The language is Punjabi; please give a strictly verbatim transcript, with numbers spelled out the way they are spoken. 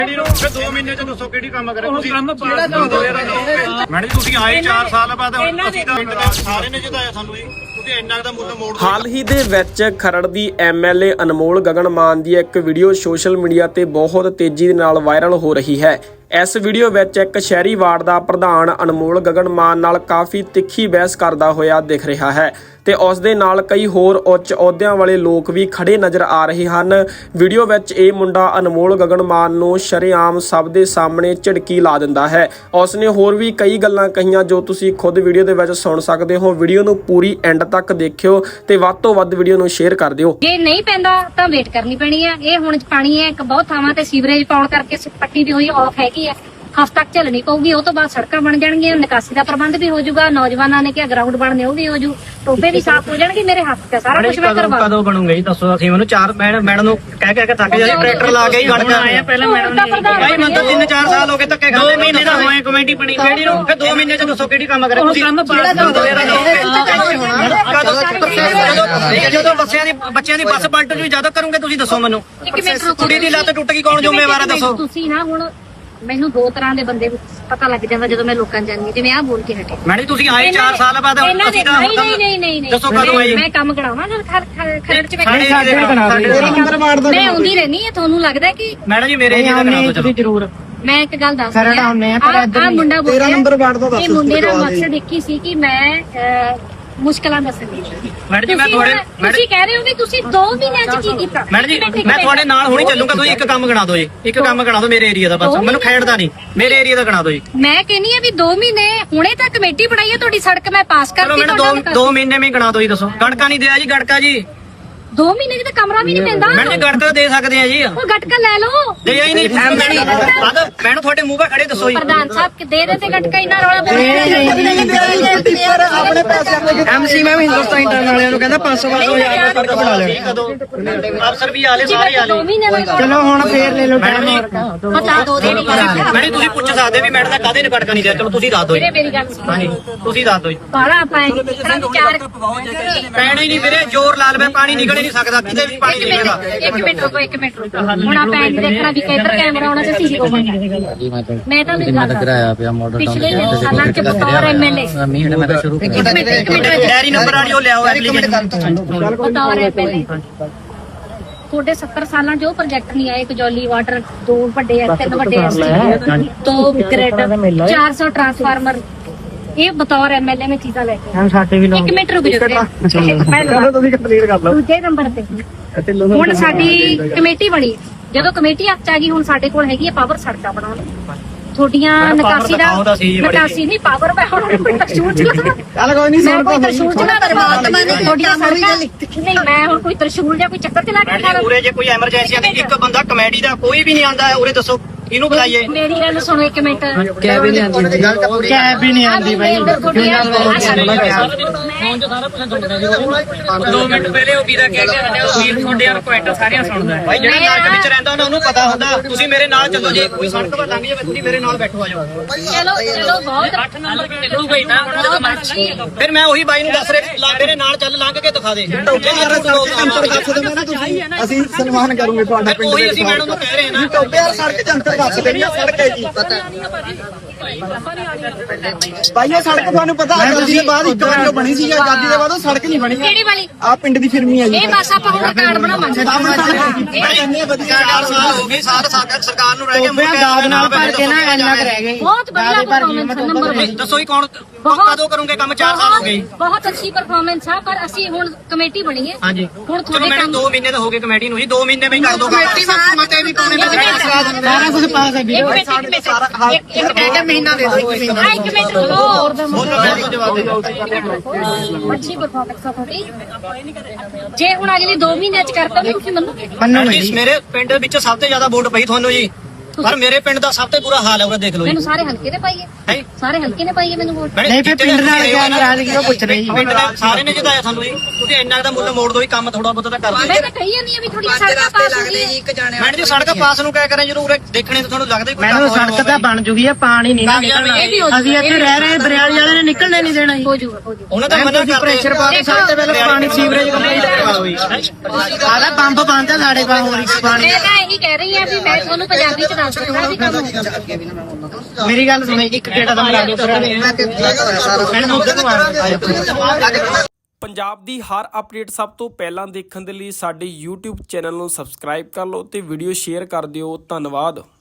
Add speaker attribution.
Speaker 1: दो महीने च दसो किहड़ी काम करे तुसीं मैडम जी तुसीं आए चार साल बाद पिंड दे सारे ने जिताया सानू जी ਤੁਸੀਂ ਇੰਨਾ ਦਾ ਮੁੱਲ ਮੋੜ
Speaker 2: ਹਾਲ ਹੀ ਦੇ ਵਿੱਚ ਖਰੜ ਦੀ ਐਮਐਲਏ ਅਨਮੋਲ ਗਗਨ ਮਾਨ ਦੀ ਇੱਕ ਵੀਡੀਓ ਸੋਸ਼ਲ ਮੀਡੀਆ ਤੇ ਬਹੁਤ ਤੇਜ਼ੀ ਦੇ ਨਾਲ ਵਾਇਰਲ ਹੋ ਰਹੀ ਹੈ। ਇਸ ਵੀਡੀਓ ਵਿੱਚ ਇੱਕ ਸ਼ਹਿਰੀ ਵਾਰਡ ਦਾ ਪ੍ਰਧਾਨ ਅਨਮੋਲ ਗਗਨ ਮਾਨ ਨਾਲ ਕਾਫੀ ਤਿੱਖੀ ਬਹਿਸ ਕਰਦਾ ਹੋਇਆ ਦਿਖ ਰਿਹਾ ਹੈ ਤੇ ਉਸ ਦੇ ਨਾਲ ਕਈ ਹੋਰ ਉੱਚ ਅਹੁਦਿਆਂ ਵਾਲੇ ਲੋਕ ਵੀ ਖੜੇ ਨਜ਼ਰ ਆ ਰਹੇ ਹਨ। ਵੀਡੀਓ ਵਿੱਚ ਇਹ ਮੁੰਡਾ ਅਨਮੋਲ ਗਗਨ ਮਾਨ ਨੂੰ ਸ਼ਰੇਆਮ ਸਭ ਦੇ ਸਾਹਮਣੇ ਝਿੜਕੀ ਲਾ ਦਿੰਦਾ ਹੈ। ਉਸ ਨੇ ਹੋਰ ਵੀ ਕਈ ਗੱਲਾਂ ਕਹੀਆਂ ਜੋ ਤੁਸੀਂ ਖੁਦ ਵੀਡੀਓ ਦੇ ਵਿੱਚ ਸੁਣ ਸਕਦੇ ਹੋ। ਵੀਡੀਓ ਨੂੰ ਪੂਰੀ ਐਂਡ ਤੱਕ ਦੇਖਿਓ ਤੇ ਵੱਧ ਤੋਂ ਵੱਧ ਵੀਡੀਓ ਨੂੰ ਸ਼ੇਅਰ ਕਰ ਦਿਓ।
Speaker 3: ਜੇ ਨਹੀਂ ਪੈਂਦਾ ਤਾਂ ਵੇਟ ਕਰਨੀ ਪੈਣੀ ਹੈ। ਇਹ ਹੁਣ ਪਾਣੀ ਹੈ ਇੱਕ ਬਹੁਤ ਥਾਵਾਂ ਤੇ ਸੀਵਰੇਜ ਪਾਉਣ ਕਰਕੇ ਪੱਟੀ ਦੀ ਹੋਈ ਆਫ ਹੈਗੀ ਹੈ, ਹਫ਼ਤਾ ਤੱਕ ਝੱਲਣੀ ਪਊਗੀ। ਉਹ ਤੋਂ ਬਾਅਦ ਸੜਕਾਂ ਬਣ ਜਾਣਗੀਆਂ, ਨਿਕਾਸੀ ਦਾ ਪ੍ਰਬੰਧ ਵੀ ਹੋ ਜਾਊਗਾ, ਨੌਜਵਾਨਾਂ ਨੇ ਕਿਹਾ ਗਰਾਊਂਡ ਬਣਨੇ ਉਹ ਵੀ ਹੋ ਜੂ, ਟੋਬੇ ਵੀ ਸਾਫ਼ ਹੋ ਜਾਣਗੇ। ਮੇਰੇ ਹੱਥ ਤੇ ਸਾਰਾ ਕੁਝ ਮੈਂ ਕਰਵਾ
Speaker 4: ਕਦੋਂ ਬਣੂਗਾ ਜੀ ਦੱਸੋ। ਅਸੀਂ ਮੈਨੂੰ ਚਾਰ ਮੈਡਮ ਨੂੰ ਕਹਿ ਕਹਿ ਕੇ ਥੱਕ ਜਾਈ, ਟਰੈਕਟਰ ਲਾ ਕੇ ਹੀ ਗੜ ਆਏ ਪਹਿਲਾਂ ਮੈਡਮ ਨੇ ਭਾਈ ਮੈਨੂੰ ਤਾਂ ਤਿੰਨ ਚਾਰ ਸਾਲ ਹੋ ਗਏ ਧੱਕੇ ਖਾਂਦੇ। ਦੋ ਮਹੀਨੇ ਦਾ ਹੋਏ ਕਮੇਟੀ ਬਣੀ ਕਿਹੜੀ ਨੂੰ ਫਿਰ ਦੋ ਮਹੀਨੇ ਚ ਦੱਸੋ ਕਿਹੜੀ ਕੰਮ ਕਰੇ ਤੁਸੀਂ। ਜਦੋਂ ਬੱਚਿਆਂ ਦੀ ਬੱਚਿਆਂ ਦੀ ਬੱਸ ਪਲਟ ਜੂ ਜਦੋਂ ਕਰੋਗੇ ਤੁਸੀਂ ਦੱਸੋ ਮੈਨੂੰ। ਕੁੜੀ ਦੀ ਲੱਤ ਟੁੱਟ ਗਈ ਕੌਣ ਜ਼ਿੰਮੇਵਾਰ ਹੈ ਦੱਸੋ।
Speaker 3: ਤੁਸੀਂ ਨਾ ਹੁਣ ਮੈਨੂੰ ਦੋ ਤਰ੍ਹਾਂ ਦੇ ਬੰਦੇ ਪਤਾ ਲੱਗ ਜਾਂਦਾ ਜਦੋਂ ਮੈਂ ਲੋਕਾਂ ਜਾਂਦੀ ਜਿਵੇਂ ਆਹ ਬੋਲ ਕੇ ਹਟੇ।
Speaker 4: ਮੈਡਮ ਤੁਸੀਂ ਆਏ ਚਾਰ ਸਾਲ ਬਾਅਦ ਅਸੀਂ ਤਾਂ
Speaker 3: ਨਹੀਂ ਨਹੀਂ ਨਹੀਂ ਨਹੀਂ
Speaker 4: ਦੱਸੋ ਕਦੋਂ ਆਏ।
Speaker 3: ਮੈਂ ਕੰਮ ਕਰਾਵਾਂ ਜਦ ਖਰੜ ਚ
Speaker 4: ਮੈਂ
Speaker 3: ਮੈਂ ਆਉਂਦੀ ਰਹਿਣੀ ਹੈ। ਤੁਹਾਨੂੰ ਲੱਗਦਾ ਕਿ
Speaker 4: ਮੈਡਮ ਜੀ ਮੇਰੇ ਏਰੀਆ ਦਾ ਕਰਾ ਦਿਓ ਚਲੋ ਜ਼ਰੂਰ।
Speaker 3: ਮੈਂ ਇੱਕ ਗੱਲ ਦੱਸ ਰਹੀ ਹਾਂ, ਆ ਮੁੰਡਾ ਬੋਲਿਆ ਇਹ ਮੁੰਡੇ ਦਾ ਮਕਸਦ ਇੱਕ ਹੀ ਸੀ ਕਿ ਮੈਂ ਮੁਸ਼ਕਲਾਂ ਦੱਸਣੀ।
Speaker 4: ਮੈਡਮ ਜੀ ਮੈਂ ਤੁਹਾਡੇ
Speaker 3: ਤੁਸੀਂ ਕਹਿ ਰਹੇ ਹੋ ਵੀ ਤੁਸੀਂ ਦੋ ਮਹੀਨਿਆਂ ਚ ਕੀ ਕੀਤਾ।
Speaker 4: ਮੈਡਮ ਜੀ ਮੈਂ ਤੁਹਾਡੇ ਨਾਲ ਹੁਣੀ ਚੱਲੂਗਾ। ਤੁਸੀਂ ਇੱਕ ਕੰਮ ਗਣਾ ਦਿਓ ਜੀ, ਇੱਕ ਕੰਮ ਗਣਾ ਦਿਓ ਮੇਰੇ ਏਰੀਆ ਦਾ ਬਸ। ਮੈਨੂੰ ਖੇਡਦਾ ਨਹੀਂ, ਮੇਰੇ ਏਰੀਆ ਦਾ ਗਣਾ ਦਿਓ ਜੀ।
Speaker 3: ਮੈਂ ਕਹਿੰਨੀ ਆ ਵੀ ਦੋ ਮਹੀਨੇ ਹੁਣੇ ਤਾਂ ਕਮੇਟੀ ਬਣਾਈ ਹੈ ਤੁਹਾਡੀ, ਸੜਕ ਮੈਂ ਪਾਸ
Speaker 4: ਚਲੋ
Speaker 3: ਕਰਤੀ।
Speaker 4: ਮੈਨੂੰ ਦੋ ਦੋ ਮਹੀਨੇ ਵਿੱਚ ਗਣਾ ਦਿਓ ਜੀ ਦੱਸੋ। ਗੜਕਾ ਨਹੀਂ ਦਿਆ ਜੀ ਗੜਕਾ ਜੀ।
Speaker 3: ਦੋ ਮਹੀਨੇ ਚ ਤਾਂ ਕਮਰਾ ਵੀ ਨਹੀਂ ਪੈਂਦਾ।
Speaker 4: ਮੈਡਮ ਜੀ ਗੜਕਾ ਦੇ ਸਕਦੇ ਆ ਜੀ।
Speaker 3: ਉਹ ਗਟਕਾ ਲੈ ਲਓ।
Speaker 4: ਦੇ ਹੀ ਨਹੀਂ ਮੈਨੂੰ ਤੁਹਾਡੇ ਮੂੰਹ 'ਤੇ ਖੜੇ ਦੱਸੋ ਜੀ।
Speaker 3: ਪ੍ਰਧਾਨ ਸਾਹਿਬ ਕਿ ਦੇ ਦੇ ਤੇ ਗਟਕਾ ਇੰਨਾ ਰੌਲਾ ਪਾਉਂਦੇ
Speaker 4: ਆਪਣੇ ਪੈਸੇ ਐਮਸੀ ਮੈਂ ਵੀ ਹਿੰਦੁਸਤਾਨ ਇੰਟਰਨ ਵਾਲਿਆਂ ਨੂੰ ਕਹਿੰਦਾ ਪੰਜ ਸੌ ਪੰਜ ਸੌ ਹਜ਼ਾਰ ਦਾ ਸੜਕ ਬਣਾ ਲੈਣੀ। ਅਫਸਰ ਵੀ ਆਲੇ ਸਾਰੇ ਆਲੇ।
Speaker 3: ਚਲੋ
Speaker 4: ਹੁਣ ਫੇਰ ਲੈ ਲਓ ਮੈਡਮ ਜੀ।
Speaker 3: ਪਤਾ ਦੋ ਦੇ ਨਹੀਂ
Speaker 4: ਮੈਡਮ ਤੁਸੀਂ ਪੁੱਛ ਸਕਦੇ ਵੀ ਮੈਡਮ ਦਾ ਕਾਹਦੇ ਨੇ ਗੜਕਾ ਨਹੀਂ ਦਿਆ। ਚਲੋ ਤੁਸੀਂ ਦੱਸ ਦਿਓ ਜੀ।
Speaker 3: ਮੇਰੀ ਗੱਲ ਸੁਣੋ।
Speaker 4: ਹਾਂਜੀ ਤੁਸੀਂ ਦੱਸ ਦਿਓ ਜੀ।
Speaker 3: ਬਾਲਾ ਪਾਣੀ ਚਾਰ
Speaker 4: ਪੈਣਾ ਹੀ ਨਹੀਂ ਵੀਰੇ, ਜ਼ੋਰ ਲਾ ਲਵੇ ਪਾਣੀ ਨਿਕਲ ਨਹੀਂ ਸਕਦਾ ਕਿਤੇ ਵੀ ਪਾਣੀ ਨਿਕਲੇਗਾ।
Speaker 3: ਇੱਕ ਮਿੰਟ ਰੁਕੋ ਇੱਕ ਮਿੰਟ ਰੁਕੋ। ਹੁਣ ਆਪਾਂ ਐਂ ਦੇਖਣਾ ਵੀ ਕਿੱਧਰ ਕੈਮਰਾ ਆਉਣਾ ਤੇ ਸੀਸੀ ਕੋਲ। ਮੈਂ ਤਾਂ ਨਹੀਂ ਗੱਲ ਕਰਾਇਆ ਪਿਆ ਮਾਡਲ ਪਿਛਲੇ ਸਾਲਾਂ ਚ ਬਤੌਰ ਐਮਐਲਏ
Speaker 5: ਮਹੀਨੇ ਮੈਂ ਤਾਂ ਸ਼ੁਰੂ
Speaker 3: ਇੱਕ ਮਿੰਟ ਇੱਕ ਮਿੰਟ
Speaker 4: ਡੈਰੀ ਨੰਬਰ ਵਾਲੀ ਉਹ ਲਿਆਓ ਐਪਲੀਕੇਸ਼ਨ।
Speaker 3: ਬਤੌਰ ਐਮਐਲਏ ਤੁਹਾਡੇ ਸੱਤਰ ਸਾਲਾਂ ਚ ਉਹ ਪ੍ਰੋਜੈਕਟ ਨਹੀਂ ਆਏ। ਕਜੌਲੀ ਵਾਟਰ ਦੋ ਵੱਡੇ ਆ, ਤਿੰਨ ਵੱਡੇ ਐਸਟੀ, ਦੋ ਗ੍ਰਿਡ, ਚਾਰ ਸੌ ਟਰਾਂਸਫਾਰਮਰ। ਇਹ ਬਤੌਰ ਐਮਐਲਏ ਮੈਂ ਚੀਜ਼ਾਂ ਲੈ ਕੇ
Speaker 4: ਸਾਡੇ ਵੀ
Speaker 3: ਇੱਕ ਮਿੰਟ ਰੁਕ ਜਾਓ।
Speaker 4: ਤੁਸੀਂ ਕੰਪਲੀਟ ਕਰ ਲਓ।
Speaker 3: ਦੂਜੇ ਨੰਬਰ ਤੇ ਹੁਣ ਸਾਡੀ ਕਮੇਟੀ ਬਣੀ। ਜਦੋਂ ਕਮੇਟੀ ਹੱਥ ਆ ਗਈ ਹੁਣ ਸਾਡੇ ਕੋਲ ਹੈਗੀ ਹੈ ਪਾਵਰ ਸੜਕਾਂ ਬਣਾਉਣ। ਤੁਹਾਡੀਆਂ ਨਿਕਾਸੀ ਦਾ ਨਿਕਾਸੀ ਨਹੀਂ ਪਾਵਰ ਮੈਂ ਹੁਣ ਕੋਈ ਤਰਸ਼ੂਲ ਚਲਾ
Speaker 4: ਚੱਲ ਕੋਈ ਨਹੀਂ
Speaker 3: ਮੈਂ ਕੋਈ ਤਰਸ਼ੂਲ ਚਲਾ ਪਰਮਾਤਮਾ ਨੇ ਤੁਹਾਡੀਆਂ ਸੜਕਾਂ ਨਹੀਂ ਮੈਂ ਹੁਣ ਕੋਈ ਤਰਸ਼ੂਲ ਜਾਂ ਕੋਈ ਚੱਕਰ ਚਲਾ ਕੇ ਖਾ
Speaker 4: ਉਰੇ ਜੇ ਕੋਈ ਐਮਰਜੈਂਸੀ ਆ ਇੱਕ ਬੰਦਾ ਕਮੇਡੀ ਦਾ ਕੋਈ ਵੀ ਨਹੀਂ ਆਂਦਾ ਉਰੇ ਦੱਸੋ ਇਹਨੂੰ ਬੁਲਾਈਏ।
Speaker 3: ਮੇਰੀ ਗੱਲ ਸੁਣੋ ਇੱਕ ਮਿੰਟ।
Speaker 4: ਕੈਬ ਵੀ ਨਹੀਂ ਆਂਦੀ ਕੈਬ ਵੀ ਨਹੀਂ ਆਂਦੀ ਬਾਈ। ਦੋ ਮਿੰਟ ਪਹਿਲੇ ਉਹ ਵੀਰਾ ਕਹਿ ਕੇ ਹਟਿਆ ਉਹ ਵੀਰ ਤੁਹਾਡੇ ਯਾਰ ਕੁਐਂਟਲ ਸਾਰਿਆਂ ਸੁਣਦਾ ਬਾਈ। ਜਿਹੜਾ ਨਾਟਕ ਵਿੱਚ ਰਹਿੰਦਾ ਉਹਨਾਂ ਨੂੰ ਪਤਾ ਹੁੰਦਾ। ਤੁਸੀਂ ਮੇਰੇ ਨਾਲ ਚੱਲੋ ਜੇ ਕੋਈ ਸੜਕ ਤੇ ਲੰਘ ਜਾਵੇ ਤੁਸੀਂ ਮੇਰੇ ਨਾਲ ਬੈਠੋ ਆ ਜਾਓ।
Speaker 3: ਚਲੋ ਚਲੋ ਬਹੁਤ ਅੱਠ ਨੰਬਰ ਚੱਲੂਗਾ ਹੀ ਨਾ।
Speaker 4: ਫਿਰ ਮੈਂ ਉਹੀ ਬਾਈ ਨੂੰ ਦੱਸ ਰਿਹਾ ਮੇਰੇ ਨਾਲ ਚੱਲ ਲੰਘ ਕੇ ਦਿਖਾ ਦੇ।
Speaker 5: ਅਸੀਂ ਸਨਮਾਨ ਕਰੂਗੇ ਤੁਹਾਡਾ ਪਿੰਡ
Speaker 4: ਉਹੀ ਅਸੀਂ ਮੈਡਮ ਨੂੰ ਕਹਿ ਰਹੇ ਨਾ
Speaker 5: ਟੋਬੇ ਯਾਰ ਸੜਕ ਜੰਤਰ ਦੱਸ ਦੇਣੀ ਆ ਸੜਕ ਹੈ ਜੀ। ਭਾਈ ਇਹ ਸੜਕ ਤੁਹਾਨੂੰ ਪਤਾ ਆਜ਼ਾਦੀ ਦੇ ਬਾਅਦ ਇੱਕ ਵਾਰ ਬਣੀ ਸੀ। ਆਜ਼ਾਦੀ ਦੇ ਬਾਅਦ ਉਹ ਸੜਕ ਨਹੀਂ ਬਣੀ।
Speaker 3: ਕਿਹੜੀ ਵਾਲੀ?
Speaker 5: ਆ ਪਿੰਡ ਦੀ ਫਿਰਮੀ ਹੈ ਜੀ।
Speaker 3: ਇਹ ਬਸ ਆਪਾਂ ਹੁਣ ਕਾਰਡ ਬਣਾਵਾਂਗੇ।
Speaker 4: ਚਾਰ ਸਾਲ ਹੋ ਗਏ ਸਾਰ ਸਰਕਾਰ ਨੂੰ ਰਹਿ ਗਏ
Speaker 5: ਦਾਦ ਨਾਲ ਭਰ ਕੇ ਨਾ ਇੰਨਾ ਕਰ ਰਹਿ ਗਏ।
Speaker 3: ਬਹੁਤ ਵਧੀਆ ਪਰਫਾਰਮੈਂਸ ਨੰਬਰ ਇੱਕ।
Speaker 4: ਦੱਸੋ ਹੀ ਕੌਣ ਕਦੋਂ ਕਰੋਗੇ ਕੰਮ। ਚਾਰ ਸਾਲ ਹੋ ਗਏ।
Speaker 3: ਬਹੁਤ ਅੱਛੀ ਪਰਫਾਰਮੈਂਸ ਆ ਪਰ ਅਸੀਂ ਹੁਣ ਕਮੇਟੀ ਬਣੀ ਹੈ।
Speaker 4: ਹਾਂਜੀ
Speaker 3: ਹੁਣ
Speaker 4: ਚਲੋ
Speaker 3: ਤੁਹਾਡੇ
Speaker 4: ਮੈਨੂੰ
Speaker 3: ਕੰਮ
Speaker 4: ਦੋ ਮਹੀਨੇ ਤਾਂ ਹੋ ਗਏ ਕਮੇਟੀ ਨੂੰ ਜੀ। ਦੋ ਮਹੀਨੇ ਵਿੱਚ ਕਰ ਦੋ ਕਮੇਟੀ
Speaker 5: ਮਤੇ ਵੀ ਪਾਉਣੇ ਸਾਰਾ ਕੁਝ ਪਾਸ ਹੈ
Speaker 3: ਇੱਕ ਮਿੰਟ ਇੱਕ ਮਿੰਟ ਇੱਕ ਇੱਕ
Speaker 5: ਮਹੀਨਾ ਦੇ ਦੋ ਇੱਕ ਮਹੀਨਾ।
Speaker 3: ਆ ਇੱਕ ਮਿੰਟ ਰੁਕੋ।
Speaker 4: ਜਵਾਬ ਦੇ ਦਿਓ।
Speaker 3: ਅੱਛੀ ਪਰਫਾਰਮੈਂਸ ਆ ਤੁਹਾਡੀ। ਜੇ ਹੁਣ ਅਗਲੇ ਦੋ ਮਹੀਨਿਆਂ ਚ ਕਰਤਾ ਤਾਂ ਤੁਸੀਂ ਮੰਨੋਗੇ?
Speaker 4: ਮੇਰੇ ਪਿੰਡ ਵਿੱਚ ਸਭ ਤੋਂ ਜ਼ਿਆਦਾ ਵੋਟ ਪਈ ਤੁਹਾਨੂੰ ਜੀ। ਪਰ ਮੇਰੇ ਪਿੰਡ ਦਾ ਸਭ ਤੋਂ ਬੁਰਾ ਹਾਲ ਹੈ ਉਹ ਦੇਖ ਲਓ ਜੀ।
Speaker 3: ਮੈਨੂੰ ਸਾਰੇ ਹਲਕੇ ਨੇ ਪਾਈਏ
Speaker 4: ਹੈ
Speaker 3: ਸਾਰੇ ਹਲਕੇ ਨੇ ਪਾਈਏ ਮੈਨੂੰ ਵੋਟ।
Speaker 4: ਨਹੀਂ ਫਿਰ ਪਿੰਡ ਨਾਲ ਕਿਆ ਨਾਰਾਜ਼ਗੀ ਉਹ ਪੁੱਛ ਰਹੀ। ਪਿੰਡ ਦੇ ਸਾਰੇ ਨੇ ਜਿਤਾਇਆ ਸਾਨੂੰ ਜੀ। ਤੁਸੀਂ ਇੰਨਾ ਦਾ ਮੁੱਲ ਮੋੜ ਦੋ ਹੀ ਕੰਮ ਥੋੜਾ ਬਹੁਤਾ ਤਾਂ ਕਰ ਦਿਓ।
Speaker 3: ਮੈਂ ਤਾਂ ਕਹੀ ਜਾਂਦੀ ਆ ਵੀ ਥੋੜੀ ਸੜਕਾਂ ਪਾਸ ਹੋ ਗਈ।
Speaker 4: ਮੈਡਮ ਜੀ ਸੜਕ ਪਾਸ ਨੂੰ ਕਿਆ ਕਰਾਂ ਜ਼ਰੂਰ ਦੇਖਣੇ ਤਾਂ ਤੁਹਾਨੂੰ ਲੱਗਦਾ ਕੋਈ
Speaker 5: ਮੈਨੂੰ ਸੜਕ ਤਾਂ ਬਣ ਜੂਗੀ ਆ ਪਾਣੀ ਨਹੀਂ ਨਾ ਨਿਕਲਣਾ। ਅਸੀਂ ਇੱਥੇ ਰਹਿ ਰਹੇ ਬਰਿਆਲੀ ਵਾਲੇ ਨੇ ਨਿਕਲਣੇ ਨਹੀਂ ਦੇਣਾ।
Speaker 3: ਹੋ ਜੂਗਾ ਹੋ ਜੂਗਾ।
Speaker 4: ਉਹਨਾਂ ਦਾ ਮਨਾ ਕਰਦੇ
Speaker 5: ਪ੍ਰੈਸ਼ਰ ਪਾ ਕੇ ਸਭ ਤੋਂ ਪਹਿਲਾਂ ਪਾਣੀ ਸੀਵਰੇਜ ਕੰਪਲੀਟ ਕਰਵਾ ਦਿਓ ਜੀ। ਆਦਾ ਪੰਪ ਬੰਦ ਆ ਸਾਡੇ ਕੋਲ ਹੋਰ ਇੱਕ ਪਾਣੀ।
Speaker 3: ਮੈਂ ਤਾਂ ਇਹੀ ਕਹਿ ਰਹੀ ਆ ਵੀ ਮੈਂ ਤੁਹਾਨੂੰ ਪੰਜਾਬੀ ਚ ਦੱਸ ਦਿੱਤਾ ਵੀ ਕੰਮ ਹੋਊਗਾ।
Speaker 4: ਮੇਰੀ ਗੱਲ ਸੁਣੇ ਇੱਕ ਗੇੜਾ ਦਾ ਮਿਲਾ ਦਿਓ ਮੈਡਮ ਉੱਧਰ ਨੂੰ ਆ
Speaker 2: ਪੰਜਾਬ ਦੀ ਹਰ ਅਪਡੇਟ ਸਭ ਤੋਂ ਪਹਿਲਾਂ ਦੇਖਣ ਦੇ ਲਈ ਸਾਡੇ YouTube ਚੈਨਲ ਨੂੰ ਸਬਸਕ੍ਰਾਈਬ ਕਰ ਲਓ ਤੇ ਵੀਡੀਓ ਸ਼ੇਅਰ ਕਰ ਦਿਓ। ਧੰਨਵਾਦ।